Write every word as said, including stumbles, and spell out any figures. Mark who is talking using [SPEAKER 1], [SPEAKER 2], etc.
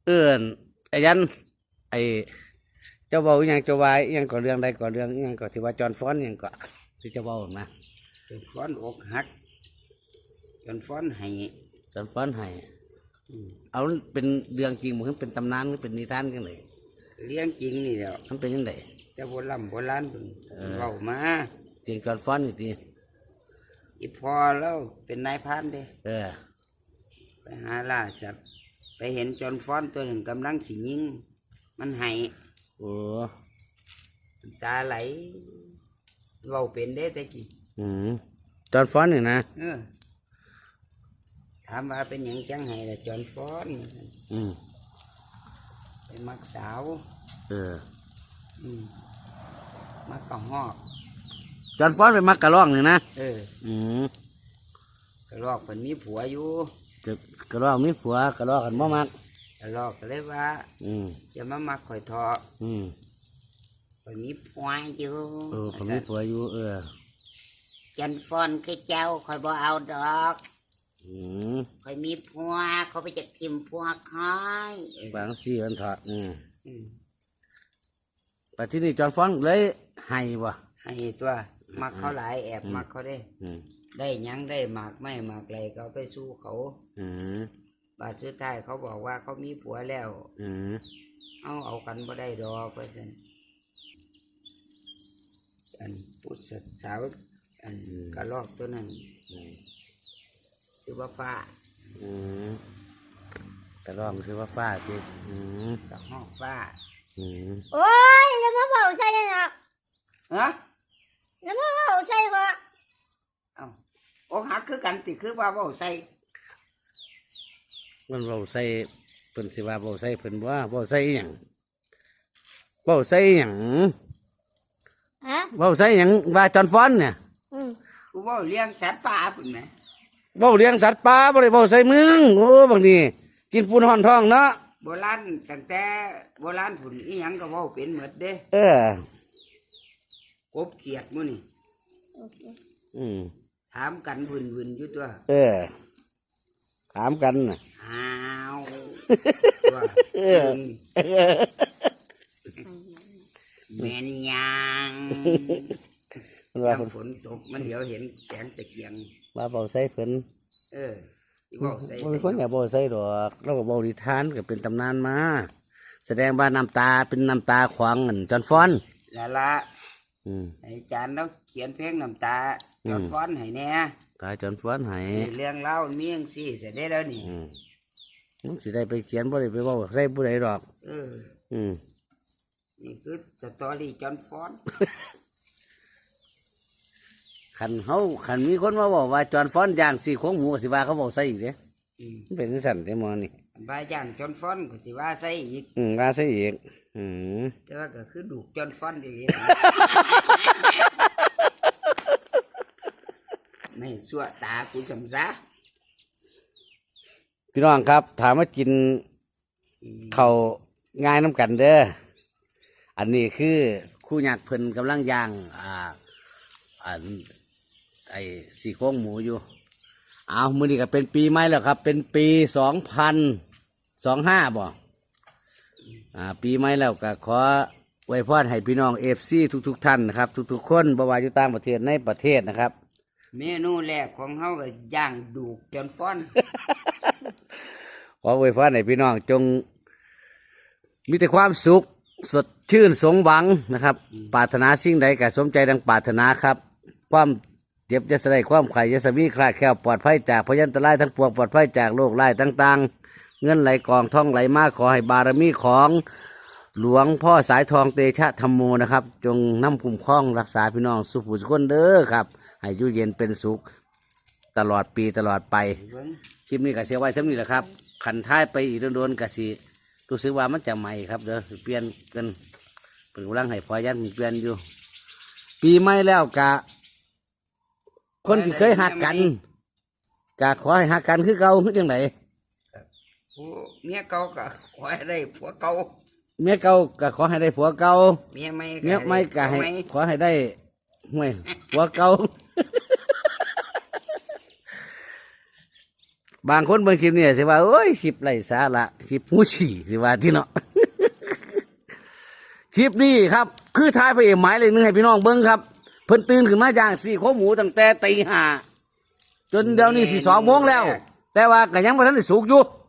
[SPEAKER 1] เอื้อนไอ้ยันไอ้เจ้าเบาอหยังเจ้าวายอหยังก่อเรื่องใดก่อเรื่องอหยังก่อที่ว่าจอนฟ้อนอหยังก่อที่เจ้าเบานะ
[SPEAKER 2] จนฟ้อนอกหักจนฟ้อนให้
[SPEAKER 1] จอนฟ้อนให้เอามันเป็นเรื่องจริงมันเป็นตำนานมันเป็นนิทานกันเลย
[SPEAKER 2] เลี้ยงจริงนี่แหละ
[SPEAKER 1] มันเป็นยังไง
[SPEAKER 2] จะโบราณโบราณเพิ่นเว้ามา
[SPEAKER 1] จริงจอนฟ้อนนี่ที
[SPEAKER 2] อีพอแล้วเป็นนายพรานเด้
[SPEAKER 1] เออ
[SPEAKER 2] ไปหาล่าสัตว์ไปเห็นจนฟ้อนตัวหนึ่งกำลังสิยิงมันให้
[SPEAKER 1] โอ้
[SPEAKER 2] ตาไหลเว้าเป็นเด้แต่กี้
[SPEAKER 1] อืมจอนฟ้อนนี่นะ
[SPEAKER 2] เออถามว่าเป็นหยังจังให้ล่ะจนฟ้อน
[SPEAKER 1] อืม
[SPEAKER 2] ไปมักสาว
[SPEAKER 1] เออ
[SPEAKER 2] อืมมักกะฮอก
[SPEAKER 1] จอนฟ้อนไปมักกะล่องนี่นะ
[SPEAKER 2] เออ
[SPEAKER 1] อืม
[SPEAKER 2] กระลอกเพิ่นมีผัวอยู่
[SPEAKER 1] จะกะล่องมีผัวกะล่องกันบ่มัก
[SPEAKER 2] กระลอกก็เลยว่า
[SPEAKER 1] อืม
[SPEAKER 2] จะมามักข่อยทอ
[SPEAKER 1] อืม
[SPEAKER 2] ข่อยมีผัวอยู่
[SPEAKER 1] เออเขามีผัวอยู่เออ
[SPEAKER 2] จันฟอนคือเจ้าข่อยบ่เอาดอก
[SPEAKER 1] อืม
[SPEAKER 2] ข่อยมีผัวเขาไปจักทิมผัวคอย
[SPEAKER 1] บางสี่วันถอดอืม
[SPEAKER 2] อืม
[SPEAKER 1] แต่ที่นี่จอนฟ้อนเลยให้บ่
[SPEAKER 2] ให้ตัวมักเขาหลายแอบมักเขาได้ได้ยังได้หมากไม่หมากไรเขาไปสู้เขาบาดสุดท้ายเขาบอกว่าเขามีผัวแล้วเอาเอากันบ่ได้ดอกเพื่อนอันผู้สาวอันกระลอกตัวนั้นชื่อว่าฟ้าก
[SPEAKER 1] ระรองคือว่าฟ้าจี
[SPEAKER 2] กระหอกฟ้า
[SPEAKER 3] โอ้ยจะมาเผาใช่ไหมครับ
[SPEAKER 2] ฮะ
[SPEAKER 3] จะมาเผาใช่ปะ
[SPEAKER 2] เอ้าโอ้หักคือกันติคือว่าเผาใส่
[SPEAKER 1] มันเบาใส่เพิ่นสิว่าเบาใส่เพิ่นว่าเบาใส่หยังเบาใส่หยัง
[SPEAKER 3] ฮะ
[SPEAKER 1] เบาใส่หยังว่าจอนฟ้อนเนี่ย
[SPEAKER 2] กูเผาเลี้ยงสัตว์ป่าปุ่นไหม
[SPEAKER 1] เบาเลี้ยงสัตว์ป่าบ่ได้เบาใส่เมืองโอ้บางทีกินปูนห่อนท้องเนาะ
[SPEAKER 2] โบราณตั้งแต่โบราณผุนอีหยังก็เว้าเป็นหมดเด้
[SPEAKER 1] เอ
[SPEAKER 2] อกบเกียดมื้อนี่
[SPEAKER 1] อืม
[SPEAKER 2] ถามกันวุ่นๆอยู่ตัว
[SPEAKER 1] เออถามกันน่ะ
[SPEAKER 2] อ้าวตัวแม่นยังว่าฝนตกมันเดี๋ยวเห็นแสงตะเกียง
[SPEAKER 1] ว่าเบาใส่เพิ่น
[SPEAKER 2] เออเว้าใส่
[SPEAKER 1] บ่คนอย่าเบาใส่ดอกเราก็เบานิทานก็เป็นตำนานมาแสดงว่าน้ำตาเป็นน้ำตาขวางอันจอนฟ้อน
[SPEAKER 2] ละละอาจารย์เราเขียนเพลงน้ำตาจอนฟ้อนให้แน่
[SPEAKER 1] ตาจอนฟ้อนให้
[SPEAKER 2] เรื่องเล่ามีอย่างสี่เสร็จได้แล้วนี่
[SPEAKER 1] มึงสิได้ไปเขียนบ่ได้ไปเว้าใส่ผู้ใดดอก
[SPEAKER 2] เอออืมนี่คือสตอรี่จอนฟ้อน
[SPEAKER 1] ขันเฮาขันมีคนมาบอกว่าจอนฟ้อนย่างสี่โค้งหมูสิว่าเขาบอกใส่อีกเด้มันเป็นสั่นได้มอนี่
[SPEAKER 2] บายย่างจอนฟ้อนก็สิว่าใส่อีก
[SPEAKER 1] อืมว่าใส่อีกอืม
[SPEAKER 2] แต่ว่าก็คือดูจอนฟ้อนดีไม่สั่วตากูสำซา
[SPEAKER 1] พี่น้องครับถามว่ากินเขาง่ายน้ำกันเด้ออันนี้คือคู่ยักษ์เพิ่นกำลังย่างอ่าอันไอ้สี่โค้งหมูอยู่เอามือนี้ก็เป็นปีใหม่แล้วครับเป็นปีสองพันสองห้าบ่อ่าปีใหม่แล้วก็ขอไว้พรให้พี่น้องเอฟซีทุกๆท่านนะครับทุกๆคนบ่ว่าอยู่ต่างประเทศในประเทศนะครับ
[SPEAKER 2] เมนูแรกของเฮาก็ย่างดูจนฟ้อน
[SPEAKER 1] ขอไว้พรให้พี่น้องจงมีแต่ความสุขสดชื่นสมหวังนะครับปรารถนาสิ่งใดก็สมใจดังปรารถนาครับความเจ็บจะสลายความไข่จะสวีคลาดแคล้วปลอดภัยจากพยันตรายทั้งปวงปลอดภัยจากโรคร้ายต่างๆเงินไหลกองท่องไหลมาขอให้บารมีของหลวงพ่อสายทองเตชะธรรมโมนะครับจงนำคุ้มครองรักษาพี่น้องสุขสุขคนเด้อครับให้อยู่เย็นเป็นสุขตลอดปีตลอดไปคลิปนี้ก็เสียไว้สำนี้แหละครับขันท้ายไปอีกโดนๆกะสิรู้สึกว่ามันจะใหม่ครับเด้อเปลี่ยนกันเป็นกำลังให้พอยันเปลี่ยนอยู่ปีใหม่แล้วกะคนที่เคยหักกันกะขอให้หักกันคือเก่าคือจังไหน
[SPEAKER 2] เมียเก่าก็ขอให้ได้ผัวเก่า
[SPEAKER 1] เมียเก่าก็ขอให้ได้ผัวเก่า
[SPEAKER 2] เมียไม่
[SPEAKER 1] เมียไม่ก็ให้ขอให้ได้ห่วยผัวเก่าบางคนเบิ่งคลิปนี่สิว่าโอ้ยคลิปไร้สาระคลิปหูฉี่สิว่าที่เนาะ คลิปนี้ครับคือท้ายพระเอกหมายเลยนึงให้พี่น้องเบิ่งครับเพิ่นตื่นขึ้นมาย่างสี่โคหมูตั้งแต่ตีห้าจนเดี๋ยวนี้สี่สองโมงแล้ว แต่ว่าก็ยังบ่ทันได้สุกอยู่